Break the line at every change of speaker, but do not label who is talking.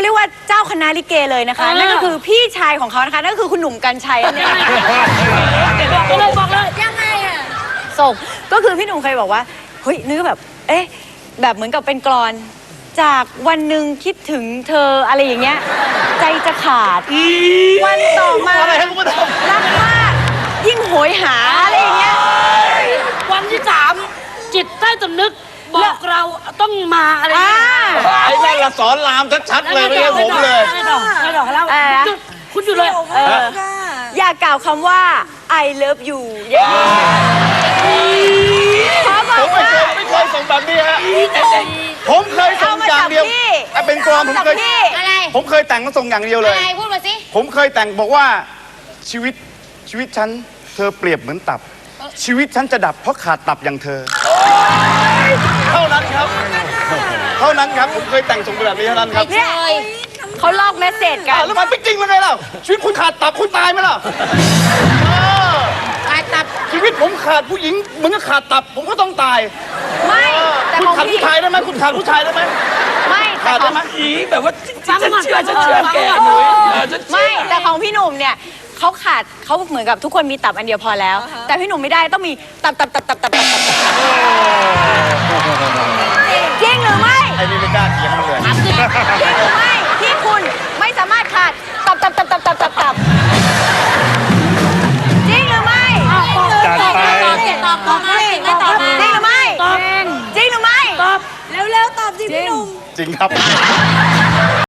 เรียกว่าเจ้าคณะลิเกเลยนะคะนั่นก็คือพี่ชายของเขานะคะนั่นก็คือคุณหนุ่มกรรชัยนั่นเอง
บอกเลย
ยังไงอะส่งก็คือพี่หนุ่มเคยบอกว่าเฮ้ยนึกแบบเอ๊ะแบบเหมือนกับเป็นกลอนจากวันหนึ่งคิดถึงเธออะไรอย่างเงี้ยใจจะขาดวันต่อมารักมากยิ่งโหยหาอะไรอย่างเงี้ย
วันที่3จิตใต้สำนึกบอกเราต้องมาอะไรอย่างเงี้ย
ไอ้นั่นละสอนรามชัดๆเลยไม่ใช่ผมเลย
ไม่ดอกแล้วคุณอยู่เลย
อย่ากล่าวคำว่า I love you
ผมไม่เคยส่งแบบนี้ฮะผมเคยส่งอย่างเดียวเป็นกลอนผมเคยแต่งมาส่งอย่างเดียวเลย
อะไรพูดมาสิ
ผมเคยแต่งบอกว่าชีวิตฉันเธอเปรียบเหมือนตับชีวิตฉันจะดับเพราะขาดตับอย่างเธอเท่านั้นครับผมเคยแต่งส่งแบบนี้เท่านั้นครับ
เนี่ยเขาลอกเมสเสจกัน
แล้วมันจริงๆเลยไงล่ะชีวิตคุณขาดตับคุณตายไหมล่ะ
ขาดตับ
ชีวิตผมขาดผู้หญิงเหมือนกับขาดตับผมก็ต้องตาย
ไม่แต่
คุณขาดผู้ชายได้ไหมคุณขาดผู้ชายได้ไหม
ไม่
ขาดได้ไหม
แบบว่าฉันเชื่อแก
ไม่แต่ของพี่หนุ่มเนี่ยเขาเหมือนกับทุกคนมีตับอันเดียวพอแล้วแต่พี่หนุ่มไม่ได้ต้องมีตับจริงหรือไม่
ไอ้นี่ไม่กล้าเถียงมันเลย
จริงหรือไม่ที่คุณไม่สามารถขาดตับจริงหรือไม่
จัดไปตอบมาจริงหรือ
ไม่จริงหรือไม่
ตอบ
เร็วๆตอบจริงพี่หนุ่ม
จริงครับ